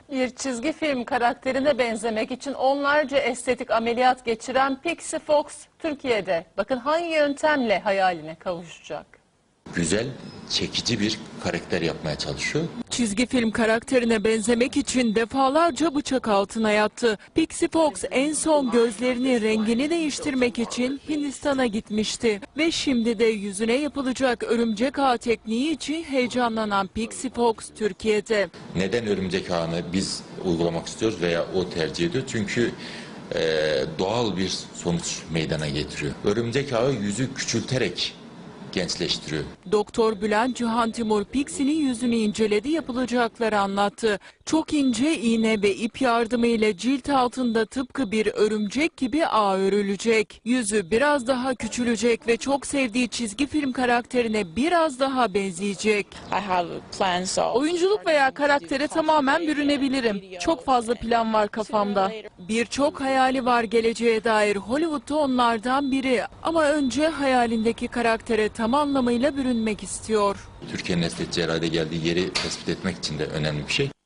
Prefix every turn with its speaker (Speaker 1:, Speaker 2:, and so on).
Speaker 1: Bir çizgi film karakterine benzemek için onlarca estetik ameliyat geçiren Pixie Fox Türkiye'de. Bakın hangi yöntemle hayaline kavuşacak.
Speaker 2: Güzel, çekici bir karakter yapmaya çalışıyor.
Speaker 3: Çizgi film karakterine benzemek için defalarca bıçak altına yattı. Pixie Fox en son gözlerinin rengini değiştirmek için Hindistan'a gitmişti. Ve şimdi de yüzüne yapılacak örümcek ağ tekniği için heyecanlanan Pixie Fox Türkiye'de.
Speaker 2: Neden örümcek ağını biz uygulamak istiyoruz veya o tercih ediyor? Çünkü doğal bir sonuç meydana getiriyor. Örümcek ağı yüzü küçülterek gençleştiriyor.
Speaker 3: Doktor Bülent Cihan Timur Pixie'nin yüzünü inceledi, yapılacakları anlattı. Çok ince iğne ve ip yardımıyla cilt altında tıpkı bir örümcek gibi ağ örülecek. Yüzü biraz daha küçülecek ve çok sevdiği çizgi film karakterine biraz daha benzeyecek.
Speaker 4: Oyunculuk veya karaktere tamamen bürünebilirim. Çok fazla plan var kafamda.
Speaker 3: Birçok hayali var geleceğe dair. Hollywood'da onlardan biri. Ama önce hayalindeki karaktere tam anlamıyla bürünmek istiyor.
Speaker 2: Türkiye'nin estetik cerrahide geldiği yeri tespit etmek için de önemli bir şey.